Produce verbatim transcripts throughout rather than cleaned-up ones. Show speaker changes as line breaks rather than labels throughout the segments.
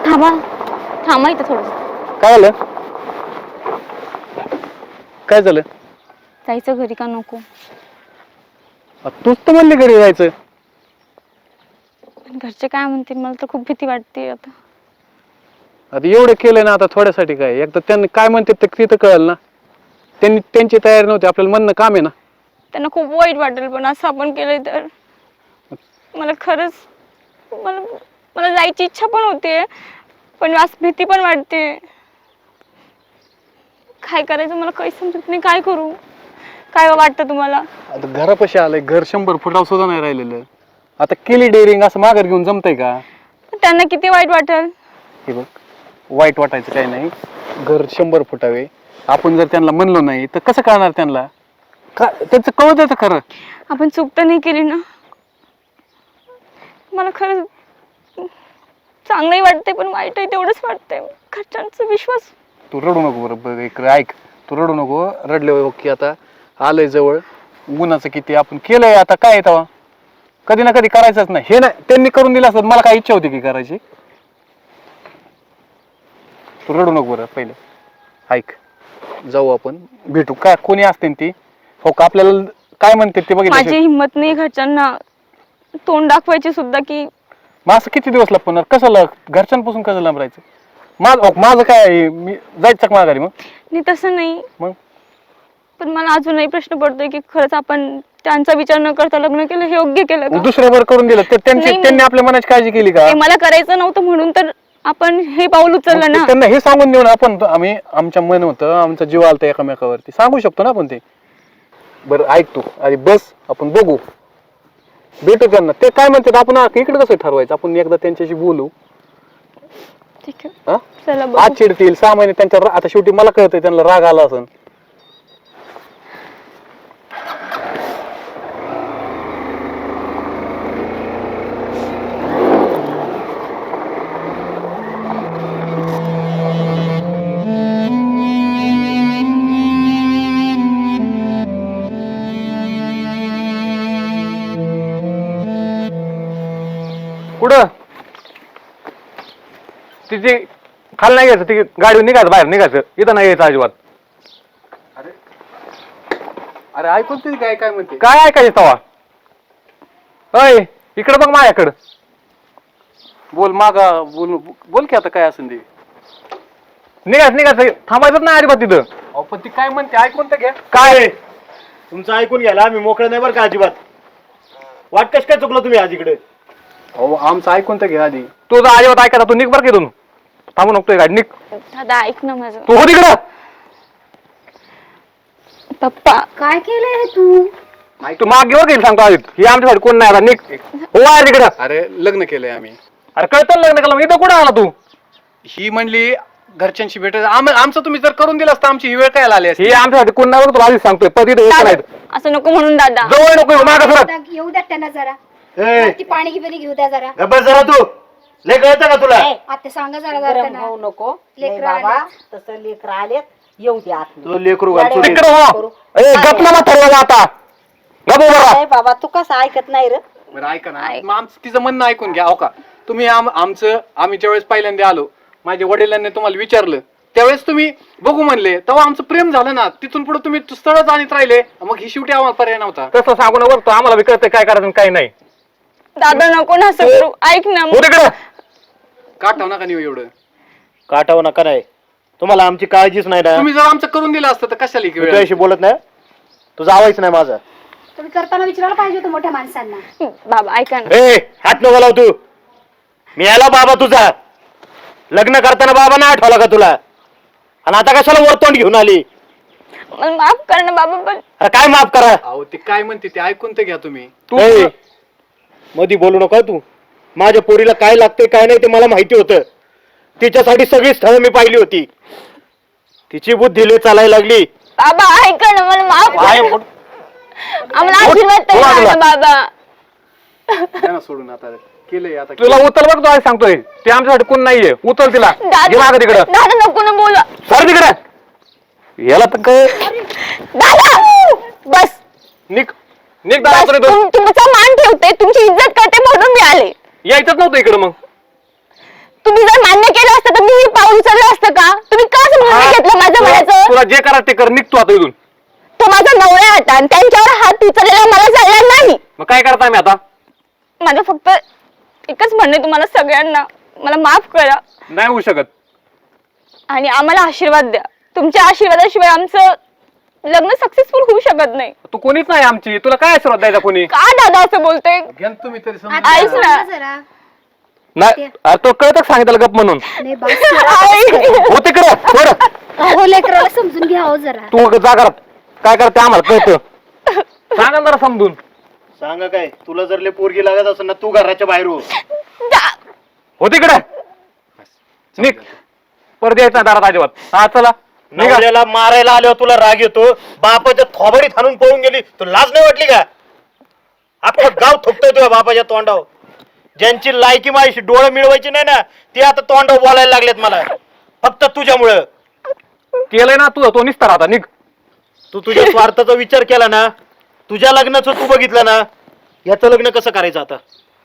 थांबा थांबा इथं थोडं.
काय झालं? काय झालं?
जायचं घरी का नको?
तूच तर म्हणली घरी जायचं.
घरचे काय म्हणतील मला तर खूप भीती वाटते आता.
आता एवढं केलंय ना, आता थोड्यासाठी काय? एकदा त्यांनी काय म्हणते ते तिथं कळलं ना. त्यांनी त्यांची तयारी नव्हती, आपल्याला म्हणणं काम आहे ना.
त्यांना खूप वाईट वाटेल पण असं आपण केलं तर. मला खरंच मला मला जायची इच्छा पण होते पण आज भीती पण वाटते. काय करायचं मला काही समजत नाही. काय करू? काय वाटतं तुम्हाला?
आता घरापाशी आलंय, घर शंभर फुटावर सुद्धा नाही राहिलेलं. आता केली डेअरिंग, असं माघार घेऊन जमतंय का?
त्यांना किती वाईट वाटेल.
हे बघ, वाईट वाटायचं काही नाही. घर शंभर फुटावे, आपण जर त्यांना म्हणलो नाही तर कसं कळणार त्यांना? का त्यांचं कळत येतं खरं.
आपण चूक तर नाही केली ना. मला खरंच चांगलंही वाटतंय पण वाईट आहे तेवढंच वाटतंय. घरच्यांचा विश्वास.
तू रडू नको बरं, एक ऐक, तू रडू नको. रडले की आता आलंय जवळ, गुन्हाचं किती आपण केलंय, आता काय येतं कधी ना कधी करायचंच नाही. हे नाही त्यांनी करून दिलं असतं, मला काय इच्छा होती की करायची? तू रडू नको बरं, पहिले ऐक. जाऊ आपण, भेटू. काय कोणी असते ती हो का? आपल्याला काय म्हणते ते बघितलं.
माझी हिंमत नाही घरच्यांना तोंड दाखवायची सुद्धा की.
मग असं किती दिवस लपवणार? कसं ल घरच्यांपासून कसं लांब राहायचं? माझं माझं काय, मी जायचं का माघारी? मग
नाही तसं नाही,
मग
पण मला अजूनही प्रश्न पडतोय की खरंच आपण त्यांचा विचार न करता लग्न केलं हे योग्य केलं का?
दुसऱ्यावर करून दिलं ते त्यांची, त्यांनी आपल्या मनाची काळजी केली का?
मला करायचं नव्हतं म्हणून तर आपण हे पाऊल उचललं ना.
त्यांना हे सांगून देऊ ना आपण, आम्ही आमच्या मन होतं, आमचा जीव आलता एकामेकावरती, सांगू शकतो ना आपण ते. बरं ऐक तू आधी बस, आपण बघू, भेटू त्यांना. ते काय म्हणतात आपण इकडे कसं ठरवायचं? आपण एकदा त्यांच्याशी बोलू.
ठीक आहे, चला बघू.
आज चिडतील, सहा महिने त्यांच्या, आता शेवटी मला कळतंय त्यांना राग आला असेल. कुठं तिची खाली नाही घ्यायचं, ती गाडी निघायचं, बाहेर निघायचं, इथं नाही यायचं अजिबात. अरे अरे ऐकून तरी काय काय म्हणते? काय ऐकायचं तवा? अय इकडं बघ माझ्याकडं. बोल मागा, बोल बोल की आता काय असेल ते. निघायचं निघायचं, थांबायचं नाही अजिबात तिथं. अहो पण ती काय म्हणते ऐकून तर घ्या.
काय तुमचं ऐकून घ्यायला आम्ही मोकळे नाही बरं का अजिबात. वाट कश काय चुकलं तुम्ही आज इकडे?
अहो आमचं ऐकून तर घ्या आधी. तुझं अजिबात ऐका, तू निघ बरं की, थांबू नको गाडी, निघ.
दादा ऐक ना माझं.
तू हो तिकडं.
पप्पा
काय केलंय तू?
तू मागे वर गेली सांगतो आधी, ही आमच्यासाठी कोण नाही आता, निघ. हो आहे तिकडं. अरे लग्न केलंय आम्ही. अरे कळतं लग्न केलं, इथं कुठं आला तू? ही म्हणली घरच्यांशी भेटायचं, आमचं तुम्ही जर करून दिलं असतं आमची ही वेळ काय आली असती? ही आमच्यासाठी कोण नाही, तुला आधीच सांगतोय. पती
असं नको म्हणून दादा.
जवळ नको, मागं सरक.
येऊ द्या त्यांना जरा.
ए,
ती पाणी गिपाणी घेऊ द्या जरा.
बस जरा तू, लय कळतं का तुला?
आता सांगा जरा जरा त्यांना.
होऊ नको
लेकरं
बाबा,
आलेत.
तसं लेकर आलेत, येऊ द्या आत.
तुझं लेकरू घाल चोरी.
तिकडं हो. ए गपला मग ठरवलं आता. गप उभा राहा.
नाही बाबा, तू कसं ऐकत नाही रे?
बरं ऐका ना, मग आमचं तिचं म्हणणं ऐकून घ्या. हो का, तुम्ही आम- आमचं आम्ही ज्यावेळेस पहिल्यांदा आलो, माझ्या वडिलांनी तुम्हाला विचारलं, त्यावेळेस तुम्ही बघू म्हणले, तेव्हा आमचं प्रेम झालं ना. तिथून पुढे तुम्ही स्थळच आणत राहिले, मग ही शेवटी आम्हाला पर्याय नव्हता. तसं सांगू ना बरं, आम्हाला बी कळतंय काय करायचं काय नाही.
दादा नको ना असं करू, ऐक ना.
हो तिकडं. काटाव नका नेऊ एवढं.
काटावं नका नाही, तुम्हाला आमची काळजीच नाही ना.
तुम्ही जर आमचं करून दिलं असतं तर कशाला
मी तुझ्याशी बोलत नाही, तुझं आवाज नाही माझा.
तुम्ही करताना विचारायला पाहिजे होतं मोठ्या माणसांना.
बाबा ऐका ना.
ए हात नको लाव तू. मी आला बाबा तुझा. लग्न करताना बाबा नाही आठवला का तुला? आणि आता कशाला वरतोंड घेऊन आली?
मला माफ कर ना बाबा. पण
अरे काय माफ करा?
अहो ते काय म्हणते ते ऐकून तर घ्या तुम्ही. तू
ए, मधी बोलू नका तू. माझ्या पोरीला काय लागते काय नाही ते मला माहिती होतं. तिच्यासाठी सगळी स्थळं मी पाहिली होती. तिची बुद्धी लय चालायला लागली.
बाबा ऐका ना, मला माफ
काय
कर.
बोल-
आम्हाला आशीर्वाद तरी
बोल-
द्या ना बाबा.
त्यांना सोडून आता केलंय. आता तुला उचल बघ, तू सांगतोय ते आमच्यासाठी कोण नाहीये. उचल तिला, घे मागं तिकडं.
दादा नको ना बोला.
सर तिकडं. याला तर काय
दादा बस
निक निक
बस.
दादा
तुम- तुमचा मान ठेवते, तुमची इज्जत करते म्हणून मी आले.
यायचंच नव्हतं इकडं. मग
तुम्ही जर मान्य केलं असतं तर मी हे पाऊल उचललं असतं का? तुम्ही का समजून नाही घेतलं माझं म्हणायचं?
तुला जे करा ते कर, निघतो आता इथून.
तो माझा नवरा होता आणि त्यांच्यावर हात उचललेला मला चालणार नाही.
मग काय करता आम्ही आता?
माझं फक्त एकच म्हणणं आहे तुम्हाला सगळ्यांना, मला माफ करा
नाही होऊ शकत.
आणि आम्हाला आशीर्वाद द्या. तुमच्या आशीर्वादाशिवाय आमचं लग्न सक्सेसफुल होऊ शकत नाही.
तू कोणीच नाही आमची, तुला काय आशीर्वाद द्यायचा कोणी?
का दादा असं बोलतोय?
घ्या तुम्ही तरी समजून.
आता
ऐक ना.
सांगा जरा.
नाही अरे तो कळत सांगितलं गप म्हणून.
नाही बस करा.
आई.
हो तिकडे बरं
हो लेकराला समजून घ्या हो जरा.
तू जा घरात. काय करते आम्हाला कळतं. सांगा ना जरा समजून.
सांगा काय, तुला जर लय पोरगी लागत असेल ना तू घराच्या बाहेर हो.
दा-
हो तिकडे निघ, परत यायचं नाही दारात अजिबात. हा चला निघा.
नवऱ्याला मारायला आल्यावर तुला राग येतो, बापाच्या थोबडीत हाणून पळून गेली, तुला लाज नाही वाटली का? अख्खं गाव थुकतोय तुझ्या बापाच्या तोंडावर. ज्यांची लायकी माझी डोळे मिळवायची नाही ना ते आता तोंडावर बोलायला लागलेत मला, फक्त तुझ्यामुळं.
केलंय ना तू, तो निसता आता निघ.
तू तुझ्या स्वार्थाचा विचार केला ना, तुझ्या लग्नाचं तू बघितलं ना, याचं लग्न कसं करायचं आता?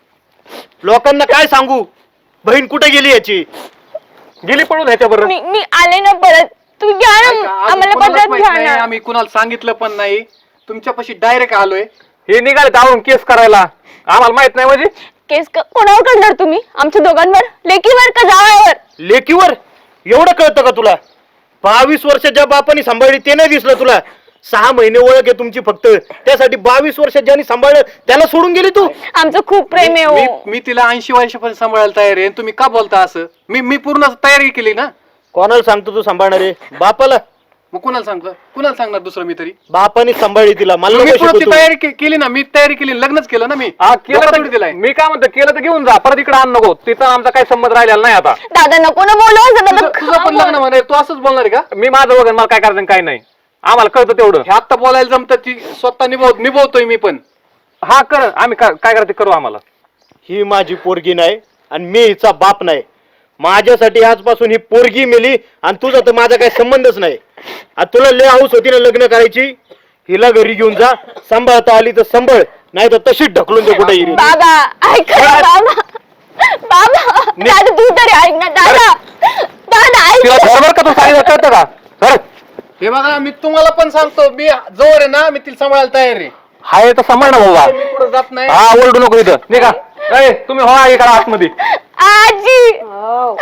लोकांना काय सांगू, बहीण कुठे गेली याची?
गेली पळून ह्याच्या बरोबर.
मी मी आले ना परत. तुम्ही घ्या ना आम्हाला परत घ्या ना.
आम्ही कुणाला सांगितलं पण नाही, तुमच्यापाशी डायरेक्ट आलोय.
हे निघाले जाऊन केस करायला, आम्हाला माहित नाही म्हणजे.
केस क- कोणावर करणार तुम्ही? आमच्या दोघांवर, लेकीवर का जावयावर?
लेकीवर एवढं कळतं का तुला? बावीस वर्षाच्या बापाने सांभाळली ते नाही दिसलं तुला? सहा महिने ओळख आहे तुमची फक्त, त्यासाठी बावीस वर्षात ज्यांनी सांभाळलं त्याला सोडून गेली तू?
आमचं खूप प्रेम आहे
मी
हो.
मी तिला ऐंशी वर्षापर्यंत सांभाळायला तयार आहे, तुम्ही का बोलता असं? मी मी पूर्ण तयारी केली ना.
कोणाला सांगतो तू सांभाळणार आहे? बापाला.
मग कुणाला सांगतो, कुणाला सांगणार दुसरं मी तरी?
बापाने सांभाळली तिला, मला
मी
नको
पूर्ण ती
शिकवू तू.
तयारी के- केली ना, मी तयारी केली, लग्नच केलं ना मी.
हा केलं
लोकांना
तर
थोडी दिलाय.
मी काय म्हणतो, केलं तर घेऊन जा, परत इकडे आण नको. तिथं आमचा काही संबंध राहिलेला नाही आता.
दादा नको ना बोलू असं दादा.
तुझं तुझं पण लग्न म्हणे, तू असंच बोलणार आहे का?
मी माझं वगैरे मला काय करायचं आणि काय नाही, आम्हाला कळतं तेवढं.
हे आत्ता बोलायला जमतं, ती स्वतः निभव निभवतोय मी पण.
हा कर, आम्ही काय काय करायचं करू आम्हाला.
ही माझी पोरगी नाही आणि मी हिचा बाप नाही. माझ्यासाठी आजपासून ही पोरगी मेली आणि तुझा तर माझा काही संबंधच नाही. आता तुला लय हाऊस होती ना लग्न करायची, हिला घरी घेऊन जा, सांभाळता आली तर सांभाळ, नाही तर तशीच ढकलून दे कुठे.
बाबा ऐक ना बाबा. बाबा दादा तू तरी ऐक ना दादा. दादा ऐक
तिला
ना.
बरोबर का तू सांगितलं कळतं का? कर.
हे बघा, मी तुम्हाला पण सांगतो, मी जवळ आहे ना, मी तिला सांभाळायला तयार आहे.
हाय तर सांभाळ ना बाबा.
मी पुढे जात नाही.
हा ओरडू नको इथं, निघा. ए, तुम्ही हो इकडे आतमध्ये.
आजी
हो.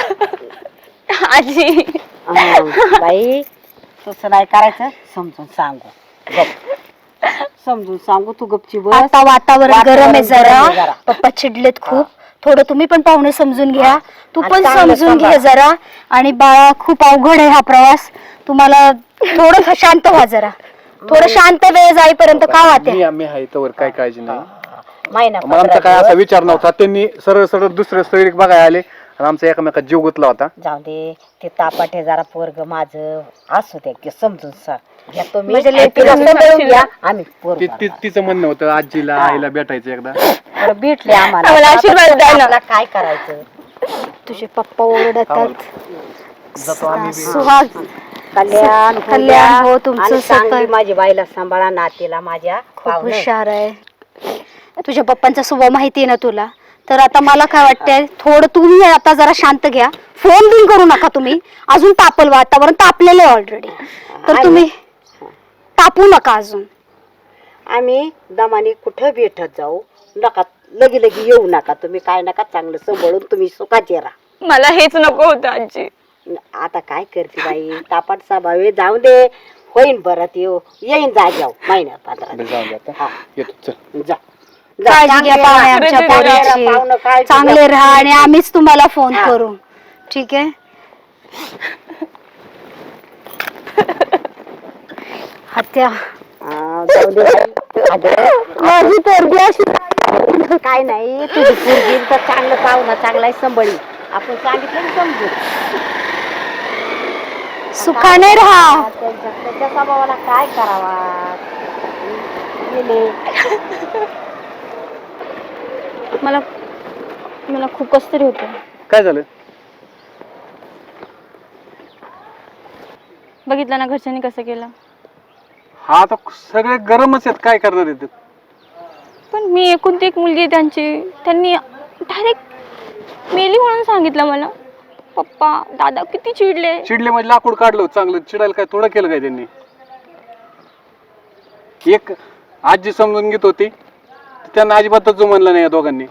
आजी
अं, बाई तसं नाही करायचं, समजून सांगू. गप. समजून सांगू, तू गपची बस.
आता वातावरण
वातावरण
गरम आहे
गरम आहे
जरा.
जरा.
पप्पा चिडलेत खूप. थोडं तुम्ही पण पाहुणे समजून घ्या. तू
आणि
पण
चांगलं
समजून घे
सांभाळ.
जरा. आणि बाळा खूप अवघड आहे हा प्रवास. तुम्हाला थोडं शांत व्हा जरा. थोडं शांत वेळ जाईपर्यंत का वाटते?
मी आम्ही आहे तोवर काय काळजी नाही.
महिना
मग आमचा
पंधरा
काय असा
दिवस.
विचार नव्हता, त्यांनी सरळ सरळ दुसरे स्थळी बघायला आले आणि आमचा एकमेकात जीव गुतला होता.
जाऊ दे, ते तापाटे जरा पोरग माझं असू दे की समजून सांग. घेतो मी.
म्हणजे
आणि
लेकरं
तिला
समजून
सांभाळून घ्या,
सांगशील
आम्ही पोरगं
ती- ती-
बाळा.
तिचं म्हणणं होतं आजीला आईला भेटायचं एकदा.
बरं, भेटले आम्हाला.
आम्हाला आशीर्वाद द्या ना.
आपला काय करायचं?
तुझे पप्पा ओरडतात.
जातो आम्ही बी.
सुहाग
कल्याण होऊ
कल्याण
द्या.
हो तुमचं
आणि चांगली
सगळं.
माझी बाईला सांभाळा, नातीला माझ्या
खूप
पाहुणं.
हुशार आहे. तुझ्या पप्पांचा स्वभाव माहिती आहे ना तुला. तर आता मला काय वाटतंय, थोडं तुम्ही आता जरा शांत घ्या. फोन बिन करू नका तुम्ही. अजून तापल वातावरण तापलेलं आहे ऑलरेडी. तर
आणि-
तुम्ही तापू नका अजून.
आम्ही दमाने कुठं भेटत जाऊ नका, लगी लगी येऊ नका तुम्ही. काय नका, चांगलं सांभाळून तुम्ही सुखाचे राहा.
मला हेच नको होतं आजी.
आता काय करते बाई, तापाट स्वभाव जाऊ दे, होईन परत येऊ येईन जा जाऊ महिन्यात पंधरा
बरं,
दिवस.
जाऊ दे आता.
हा,
येतो, चल.
जा जा.
काळजी घ्या
चांगले
पाहुणे
राहा.
आमच्या
खरंच आहे,
पाहुणे
पोरीची.
काळजी
चांगले
घ्या.
राहा आणि आम्हीच तुम्हाला फोन
हा.
करू. ठीक आहे. हत्या
हा, जाऊ दे बाई. अगं,
माझी पोरगी अशी
काय नाही, तुझी पोरगी तर चांगलं पाहुणा चांगला आहे, संभळी. आपण सांगितलं ना समजू.
सुखाने राहा.
त्यांच्या त्याच्या स्वभावाला काय करावा. गेले.
मला मला खूप कस तरी होतं.
काय झालं?
बघितलं ना घरच्यांनी कसं केलं.
हा आता सगळे गरमच आहेत, काय करणार आहेत?
पण मी एकुलती एक मुलगी आहे त्यांची. त्यांनी डायरेक्ट मेली म्हणून सांगितलं मला. पप्पा दादा किती चिडले.
चिडले म्हणजे लाकूड काढलं चांगलं, चिडायला काय थोडं केलं काय त्यांनी? एक आजी समजून घेत होती, त्यांना अजिबातच जो म्हणलं नाही या दोघांनी.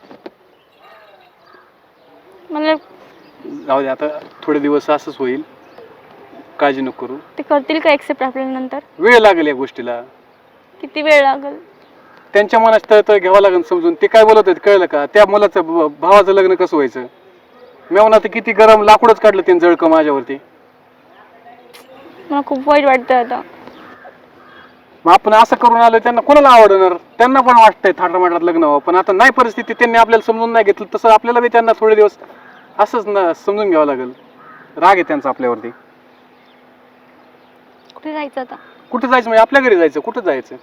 मला
जाऊ दे आता, थोडे दिवस असंच होईल, काळजी नको करू.
ते करतील का एक्सेप्ट आपल्याला नंतर?
वेळ लागेल या गोष्टीला,
किती वेळ लागेल?
त्यांच्या मनात तळतळ घ्यावं लागेल समजून. ते काय बोलत आहेत कळलं का? त्या मुलाचं भ- भावाचं लग्न कसं व्हायचं? मेवना तर किती गरम लाकूडच काढलं त्यांनी जळकं माझ्यावरती.
मला खूप वाईट वाटतं आता.
मग आपण असं करून आलो, त्यांना कोणाला आवडणार? त्यांना पण वाटतंय थाटामाटात लग्न व्हावं, पण आता नाही परिस्थिती, त्यांनी आपल्याला समजून नाही घेतलं, तसं आपल्याला बी त्यांना थोडे दिवस असंच ना समजून घ्यावं लागेल. राग आहे त्यांचा आपल्यावरती.
कुठे जायचं आता?
कुठं जायचं म्हणजे आपल्या घरी जायचं. कुठं जायचं?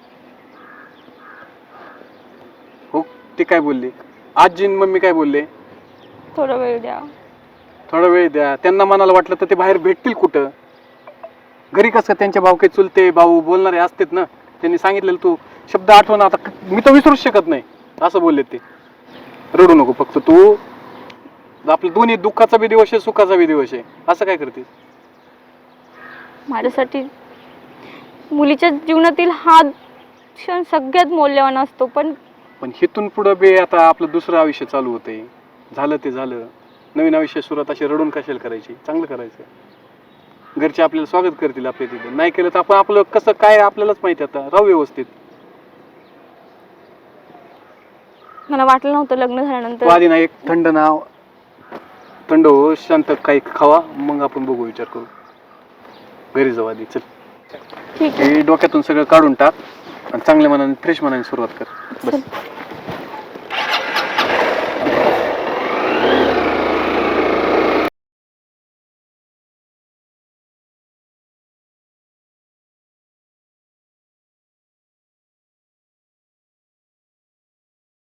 हो, ते काय बोलले? आजी आणि मम्मी काय बोलले?
थोडा वेळ द्या.
थोडा वेळ द्या. त्यांना मनाला वाटलं तर ते बाहेर भेटतील कुठं? घरी कसं त्यांच्या भाऊ काही चुलते भाऊ बोलणारे असतेत ना, त्यांनी सांगितलेलं तू शब्द आठवण आता मी तर विसरूच शकत नाही असं बोलले ते. रडू नको फक्त तू. आपलं दोन्ही दुःखाचा बी दिवस आहे, सुखाचा बी दिवस आहे. असं काय करते?
माझ्यासाठी मुलीच्या जीवनातील हा क्षण सगळ्यात मौल्यवान असतो. पण
पण हिथून पुढं बी आता आपलं दुसरं आयुष्य चालू होतंय. झालं ते झालं, नवीन आयुष्य सुरुवात अशी रडून कशाला करायची? चांगलं करायचं. घरचे आपल्याला स्वागत करतील आपल्या तिथे. नाही केलं तर आपण आपलं कसं काय आपल्यालाच माहिती. आता राहू व्यवस्थित.
मला वाटलं नव्हतं लग्न
तू
झाल्यानंतर.
आधी ना एक थंड नाव थंड हो, शांत काही खावा, मग आपण बघू, विचार करू. घरी जाऊ आधी. चल,
ठीक आहे.
हे डोक्यातून सगळं काढून टाक आणि चांगल्या मनाने फ्रेश मनाने सुरुवात कर. बस.